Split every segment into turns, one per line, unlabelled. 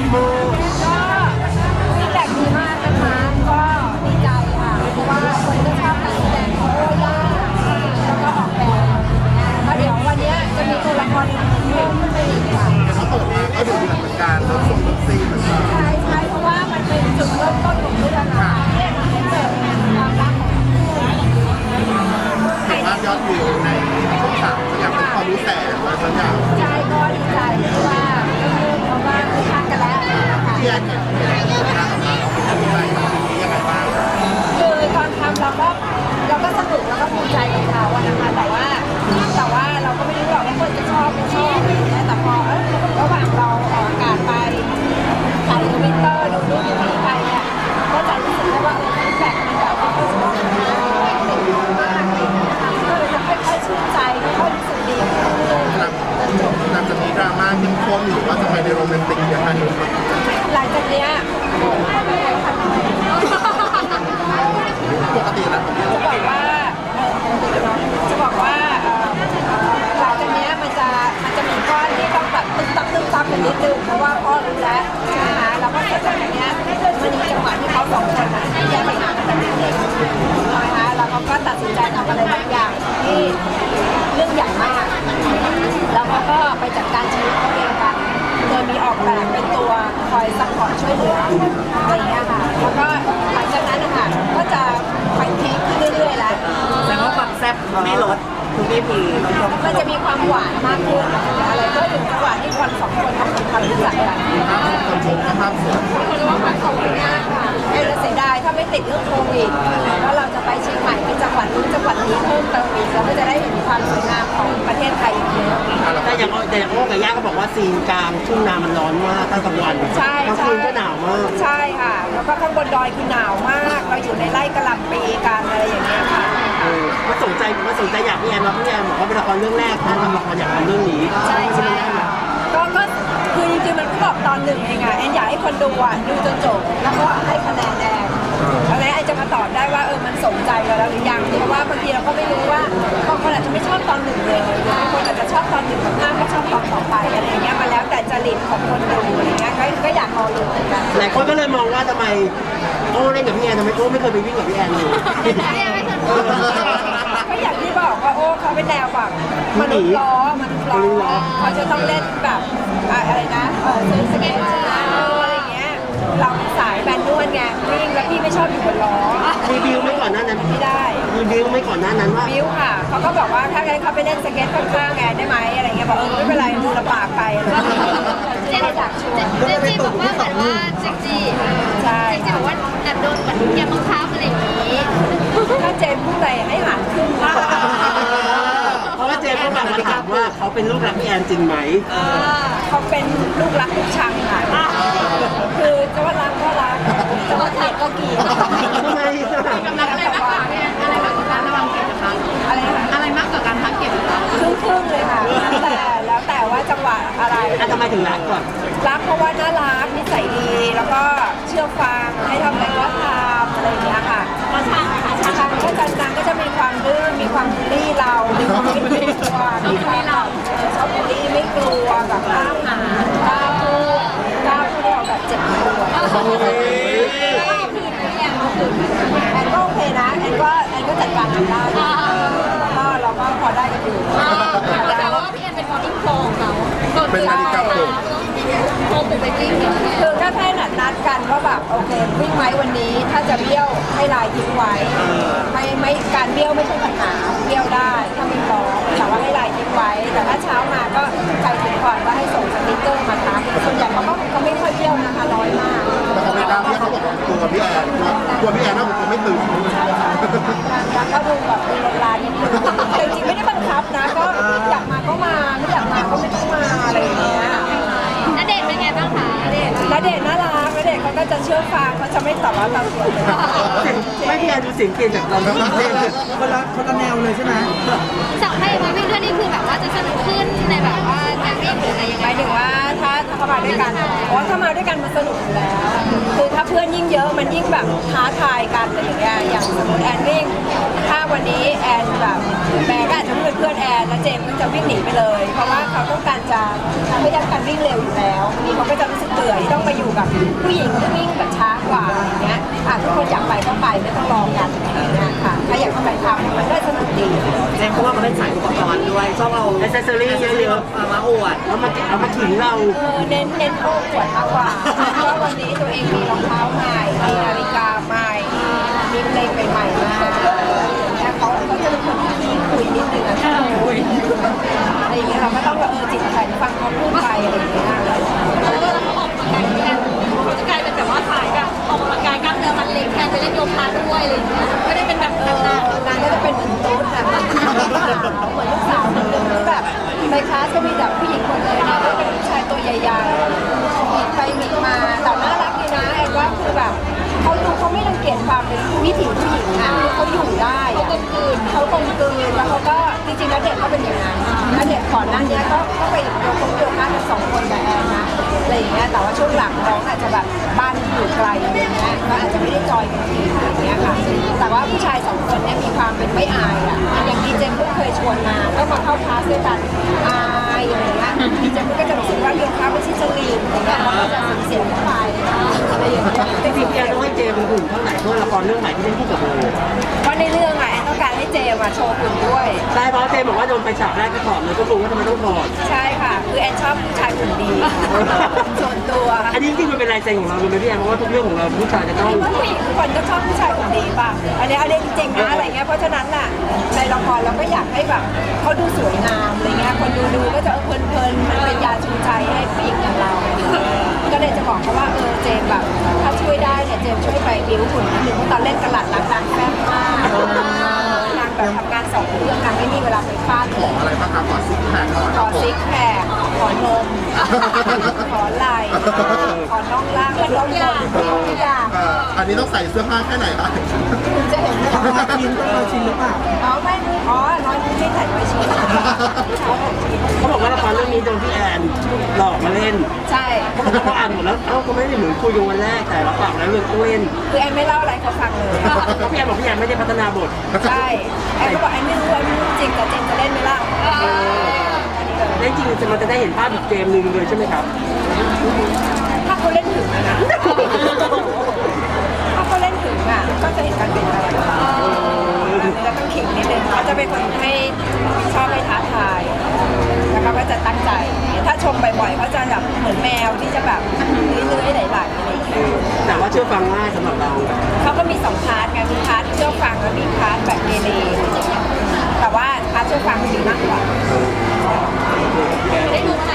ก็ฟีดแบ็กดีมากนะคะก็ดีใจค่ะเพราะว่าคนก็ชอบการแสดงของโอ้ย่าแล้วก็ออกแบบแล้วเดี๋ยววันนี้จะมีตัวละครเพิ่มขึ้นไปอีกค่ะ
เขาเปิดมาก็ดูเหมือนกันรถส่งรถซีเหมือนกัน
ใช่เพราะว่ามันเป็นจุดเริ่มต้นของเรื่องค่ะที่ทำให้เกิดความรักของ
เห็นว่ายอดวิวในช่องสามก็ยังเป็นความรู้แสนอะไรบางอย่าง
ใจก็ดีใจเพราะว่าเขาก็คือทางกันแล้วค่ะ
ที่แอนเห็นงานออกมาเราเป็นยังไงบ้างยังไงบ้าง
คือตอนทำเราก็สนุกแล้วก็ภูมิใจกับเขาอะนะคะแต่ว่าเราก็ไม่รู้หรอกว่าคนจะชอบไม่ชอบอะไรอย่างเงี้ยแต่พอระหว่างเราออกอากาศไปถ่ายทวิตเตอร์ดูรูปนี้ไปเนี่ยก็จะรู้สึกได้ว่าฟีดแบ็กมันแบบว่าชอบติดมากก็เลยจะค่อยๆชื่นใจค่อยๆรู้สึกดีขึ้นเรื่อย
หลังจากนี้ดราม่าเข้มข้นหรือว่าจะไปในโรแมนติกอย่างไร
หลังจากเนี้ย
ปกติแล้ว
จะบอกว่าหลังจากนี้มันจะมีก้อนที่ต้องแบบตึ๊บกันนิดนึงเพราะว่าพ่อรู้แล้วใช่ไหมคะแล้วก็เสร็จจากนี้มันมีจังหวะที่เขาสองคนแยกไปหากันเด็กๆใช่ไหมคะแล้วเขาก็ตัดสินใจทำอะไรบางอย่างที่เรื่องใหญ่มากแล้วเขาก็ไปจัดการชีวิตเขาเองกันโดยมีออกแบบเป็นตัวคอยซัพพอร์ตช่วยเหลืออะไรอย่างเงี้ยค่ะแล้วก็หลังจากนั้นนะคะก็จะไปเทคขึ้นเรื่อยๆแล้ว
แสดงว่าความแซ่บไม่ลดทุกที
มันจะมีความหวานมากขึ้นอะไรก็ถึงจังหวะที่คนสองคนทำความรู้จักกัน
คนชมภาพสวย
คนรู้ว่าความขอบคุณมากค่ะเสียดายถ้าไม่ติดเรื่องโควิดแล้วเราจะไปเชียงใหม่ไปจังหวัดนู้นจังหวัดนี้เพิ่มเติมอีกเราก็จะได้เห็นความสวยงามของประเทศไทยอีกเยอะ
แต่อย่างโอ้กับย่าก็บอกว่าซีนกลางทุ่งนามันร้อนมากตั้งกลางวัน
ใช่
กลางคืนก็หนาวมาก
ใช่ค่ะแล้วก็ข้างบนดอยคือหนาวมากเราอยู่ในไร่กะหล่ำปีกันอะไรอย่างเงี้ยค่ะ
มาสนใจอยากพี่แอนบอกว่าเป็นละครเรื่องแรกนะทำละครอยากทำเรื่องนี้
ใช่ก็คือจริงๆมันก็บอกตอนหนึ่งเองอะแอนอยากให้คนดูดูจนจบแล้วก็ให้คะแนนแอนแล้วแอนจะมาตอบได้ว่ามันสมใจเราแล้วหรือยังเพราะว่าบางทีเราก็ไม่รู้ว่าบางคนอาจจะไม่ชอบตอนหนึ่งเลยบางคนอาจจะชอบตอนหนึ่งมากๆก็ชอบตอนต่อไปอะไรเงี้ยมาแล้วแต่จริตของคนดูอะไรเงี้ยก็อยากรอดูเหมือนกัน
หลายคนก็เลยมองว่าทำไมโอ้เล่นกับพี่แอนทำไมโอ้ไม่เคยไปวิ่งกับพี่แอนเลย
ก็อย่างที่บอกว่าโอ้เขาเป็นแนวแบบมนุษย์ล้อเขาจะต้องเล่นแบบอะไรนะสเก็ตอะไรอย่างเงี้ยเราสายแบนนวลไงวิ่งแล้วพี่ไม่ชอบอยู่บนล้อ
มีบิวไม่ก่อนหน้านั้น
ไม่ได้
มีบิวไม่ก่อนหน้านั้นว่า
บิวค่ะเขาก็บอกว่าถ้างั้นเขาไปเล่นสเก็ตข้างๆไงได้ไหมอะไรเงี้ยบอกไม่เป็นไรดูลำบากไป
เจนจีบอกว่าเหมือนว่าเจนจี
ใช่
เจนจีบอกว่าแอบโดนแบบแกบังคับอะไรอย่างนี้
ถ้าเจนพูดอะไรให้หารขึ้น
เพราะว่าเจนก็แบบมาถามว่าเขาเป็นลูกรักพี่แอนจริงไหม
เขาเป็นลูกรักลูกชังค่ะคือจะว่ารักก็รักจะว่าเกลียดก็เกลียด
ทำไม
กำลังอะไรมากกว่าอะไรมากกว่าการระวังเก็บนะคะอะไรมากกว่าการทักเก็บนะคะ
ครึ่งเลยค่ะแล้วแต่ว่าจังหวะอะไร
ทำไมถึงรักก่อน
รักเพราะว่าน่ารักนิสัยดีแล้วก็เชื่อฟังให้ทำอะไรก็ทำอะไรอย่างเงี้ยค่ะ
ก็ช่างค่ะ
ช่างก็นางก็จะมีความดื้อมีความบูลลี่เรามีความไม่กลัวมีความเราชอบบูลลี่ไม่กลัวแบบกล้าหาญกล้าพูดเราแบบเจ็บปวดแอนก็โอเคนะแอนก็จัดการทำได้แล้วก็เราก็พอได้กันอยู่
แต่ว่าพี่แอนเป็นคนที่โกงเรา
เป็นนาฬิกาปลุก
โกงปลุกไปจริง
คือก็แค่นัดกันว่าแบบโอเควิ่งไหมวันนี้ถ้าจะเบี้ยวให้ลายทิ้งไว้ไม่การเบี้ยวไม่ใช่ปัญหาเบี้ยวได้ถ้าไม่พร้อมแต่ว่าให้ลายทิ้งไว้แต่ถ้าเช้ามาก็ใครถึงก่อนก็ให้ส่งสติ๊กเกอร์มาทักส่วนใหญ่เขาไม่ค่อยเบี้ยวนะคะน้อยมาก
แต่เขาไม่ได้ที่เขาบอกตัวพี่แอนน่าผมไม่ตื่น
ก็ดูแบบมีเวลานิดนึงแต่จริงไม่ได้บังคับนะก็อยากมาก็มาไม่อยากมาก็ไม่ต้องมาอะไรอย่างเงี้ย
ณเดชน์เป็นไงบ้างคะณเดชน์
น่ารักณเดชน์เขาก็จะเชื่อฟังเขาจะไม่ต่อว่าเราเลย
ไม่พี่แอนดูเสียงเปลี่ยนจากเราคนละแนวเลยใช่ไหม
สาวไทยมาวิ่งด้วยนี่คือแบบว่าจะสนุกขึ้นในแบบว่าการวิ่งหรืออะไรยังไง
หมายถึงว่าถ้าเข้ามาด้วยกันเพราะว่าเข้ามาด้วยกันมันสนุกอยู่แล้วคือถ้าเพื่อนยิ่งเยอะมันยิ่งแบบท้าทายกันอะไรอย่างเงี้ยอย่างสมมติแอนวิ่งถ้าวันนี้แอนแบบแบกอาจจะเป็นเพื่อนแอนแล้วเจมส์ก็จะวิ่งหนีไปเลยเพราะว่าเขาต้องการจะพยายามการวิ่งเร็วอยู่แล้วนี่เขาก็จะรู้สึกเบื่อที่ต้องมาอยู่แบบผู้หญิงที่วิ่งแบบช้ากว่าอย่างเงี้ยทุกคนอยากไปก็ไปไม่ต้องรอกันอย่างเงี้ยค่ะถ้าอยากเข้าไปทำมันก็สนุกดี
เจมส์เพราะว่ามันเป็นสายอุปกรณ์ด้วยชอบเอาแอคเซสซอรี่เยอะๆมาอวดแล้วมาถึงเรา
เน้นโอ้ปวดมากกว่าเพราะวันนี้ตัวเองมีรองเท้าใหม่มีนาฬิกาใหม่มีเพลงใหม่ๆมาอย่างเงี้ยเขาจะเป็นคนที่คุยนิดนึงอะไรอย่างเงี้ยเราก็ต้องจิตแข็งฟังเขาพูดไปอะไรอย่างเงี้ย
เขาจะกลายเป็นแบบว่าสายแบบออกกำลังกายกล้ามเนื้อมันเล็กแทนไปเล่นโยคะด้วยอะไรอย่างเงี้ยไม่ได้เป็นแบบนั้น
นางก็จะเป็นเหมือนตุ๊ดแบบเหมือนลูกสาวคนนึงที่แบบในคลาสก็มีแต่ผู้หญิงหมดเลยนะก็เป็นผู้ชายตัวใหญ่ๆมีไปมีมาแต่น่ารักดีนะไอ้ว่าคือแบบเขาไม่รังเกียจความเป็นวิถีผู้หญิงอ่ะเขาอยู่ได้เขากลมกลืนแล้วเขาก็จริงๆแล้วเด็กก็เป็นอย่างนั้นแล้วเด็กก่อนหน้านี้ก็ไปโยคะกัน2 คนกับแอนนะอะไรอย่างเงี้ยแต่ว่าช่วงหลังน้องอาจจะแบบบ้านอยู่ไกลอะไรเงี้ยก็อาจจะไม่ได้จอยกันทีอะไรเงี้ยค่ะแต่ว่าผู้ชาย2 คนเนี่ยมีความเป็นไม่อายอ่ะอย่างดีเจมก็เคยชวนมาก็มาเข้าคลาสด้วยกันอายอะไรเงี้ยดีเจมก็จะรู้สึกว่าโยคะไม่ใช่จริตอะไรเงี้ยเขาก็จะเสียงเข้าไปอะไรอย่างเงี้ย
จริงๆพี่แอนต้องให้เจมส์หุ่นเท่าไหร่เพื่อละครเรื่องใหม่ที่เล่นคู่กับโบ
เพราะในเรื่องแอนต้องการให้เจมาโชว์หุ่นด้วย
ใช่เพราะเจมส์บอกว่าโดนไปฉากแรกก็ถอดเลยก็รู้ว่าทำไมต้องถอด
ใช่ค่ะคือแอนชอบผู้ชายหุ่นดีส่วนตัว
อันนี้จริงๆมันเป็นลายเซ็นของเราเลยไหมพี่แอนเพราะว่าทุกเรื่องของเราผู้ชายจะต้อง
ผู้หญิงทุกคนก็ชอบผู้ชายหุ่นดีป่ะอันนี้จริงๆนะอะไรเงี้ยเพราะฉะนั้นน่ะในละครเราก็อยากให้แบบเขาดูสวยงามอะไรเงี้ยคนดูก็จะเพลินๆมันเป็นยาชูใจให้ผู้หญิงอย่างเราก็เลยจะบอกเขาว่าเจมแบบถ้าช่วยได้เนี่ยเจมช่วยไปบิ้วหุ่นนิดนึงเพราะตอนเล่นกระหลัดรักนางแซ่บมากนางแบบทำงาน2 เรื่องนางไม่มีเวลาไปฟาดเลย
อะไรบ้างครับขอซิกแพคหน่อย
ขอซิกแพคขอนม ขอไหล่ขอน่องล่างและน่องบนทุกอย่าง
อันนี้ต้องใส่เสื้อผ้าแค่ไหนครับ
คุณจะเห็น
ชิ้นต้องชิ้นหรือเปล่า
ไม่น้อยไม่ใส่ไว้ชิ้น
เขาบอกว่าละครเรื่องนี้โดนพี่แอนหลอกมาเล่น
ใช่
เขาบอกว่าเขาอ่านหมดแล้วเขาไม่ได้เหมือนคุยกันวันแรกแต่เราปากแล้วเรื่องต้องเล่น
คือแอนไม่เล่าอะไรเขาฟังเลย
เพราะพี่แอนบอกพี่แอนไม่ได้พัฒนาบท
ใช่แอนก็บอกแอนไม่รู้จริงแต่เจนจะเล่นไหมล่ะ
และจริงๆมันจะได้เห็นภาพอีกเกมหนึ่งเลยใช่ไหมครับ
ถ้าเขาเล่นถึงนะถ้าเขาเล่นถึงก็จะเห็นการเปลี่ยนแปลงจะต้องขิงนิดนึงเขาจะเป็นคนให้ชอบให้ท้าทายแล้วเขาก็จะตั้งใจ ถ้าชมบ่อยๆเขาจะแบบเหมือนแมวที่จะแบบเลื้อยๆไหลๆอะไรอย่างเงี้ย
แต่ว่าเชื่อฟังง่ายสำหรับเรา
เขาก็มี2 พาร์ทไงมีพาร์ทเชื่อฟังแล้วมีพาร์ทแบบเกเรอะไรอย่างเงี้ยแต่ว่าพาร์ทเชื่อฟังดีมากกว่า
ได้ดูเมื่อไหร่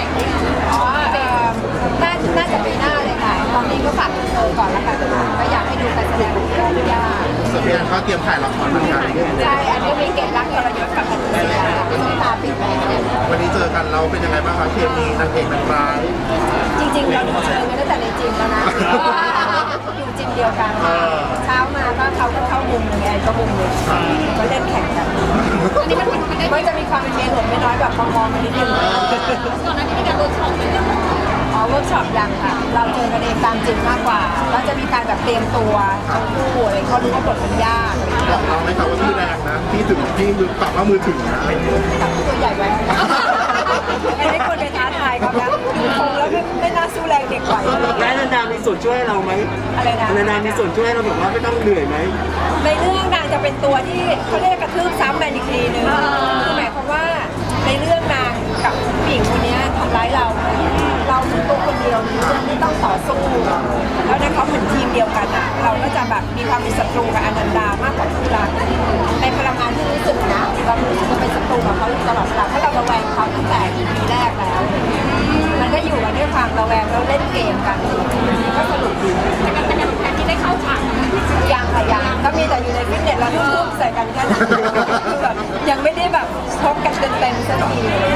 น่าจะปีหน้าเลยค่ะตอนนี้ก็ฝากก่อนแล้วกันก็อยากให้ดูการแสดงของพี่ย่า
ส่วนพี่แอนก็เตรียมถ่ายละครเหมือนกัน
ใช่อันนี้มีเกณฑ์รักทรยศกับพันธุ์เสียต้องตาปิดแดง
วันนี้เจอกันเราเป็นยังไงบ้างครับเคมีนางเอกนางร้าย
จริงๆเราดูเชิงกันตั้งแต่ในจิมแล้วนะอยู่จิมเดียวกันเช้ามาก็เขาก็เข้ามุมไงก็มุมเลยก็เล่นแข่งกัน
อันนี้มันได้
ก็จะมีความเป็นเมียหลวงไม่น้อยแบบมองๆกันนิดนึง
ก่อนหน้านี้มีการเวิร์กช็อปกันยัง
เวิร์กช็อปยังค่ะ เราเจอกันเองตามจริงมากกว่าเราจะมีการแบบเตรียมตัวทั้งคู่อะไรเขารู้ว่าบทมันยาก
บอกเราไหมครับว่าพี่แรงนะพี่ถึงพี่มือปรับว่ามือถึงนะ
แต่ตัวใหญ่ไว้ไม่ได้คนไปท้าทายเขานะดูคงแล้วไม่น่าสู้แรงเด็กไหว
และอนันดามีส่วนช่วยเราไหม
อะไรนะ
อนันดามีส่วนช่วยเราแบบว่าไม่ต้องเหนื่อยไหม
ในเรื่องนางจะเป็นตัวที่เขาเรียกกระทืบซ้ำแมนอีกทีนึงคือหมายความว่าในเรื่องนางกับผู้หญิงคนนี้ทำร้ายเราคือตัวคนเดียวในเรื่องที่ต้องต่อสู้แล้วในเขาเหมือนทีมเดียวกันเราก็จะแบบมีความเป็นศัตรูกับอนันดามากกว่าคู่รักในพลังงานที่รู้สึกนะเรารู้สึกว่าเป็นศัตรูกับเขาตลอดเวลาเพราะเราระแวงเขาตั้งแต่ EP แรกแล้วมันก็อยู่กันด้วยความระแวงแล้วเล่นเกมกันก็สนุกดี
แต่การแต่งงานแทนที่ได้เข้าฉาก
ยังค่ะยังก็มีแต่อยู่ในฟิตเนสแล้วทุบใส่กันแค่นั้นคือแบบยังไม่ได้แบบชกกันเต็มๆสักที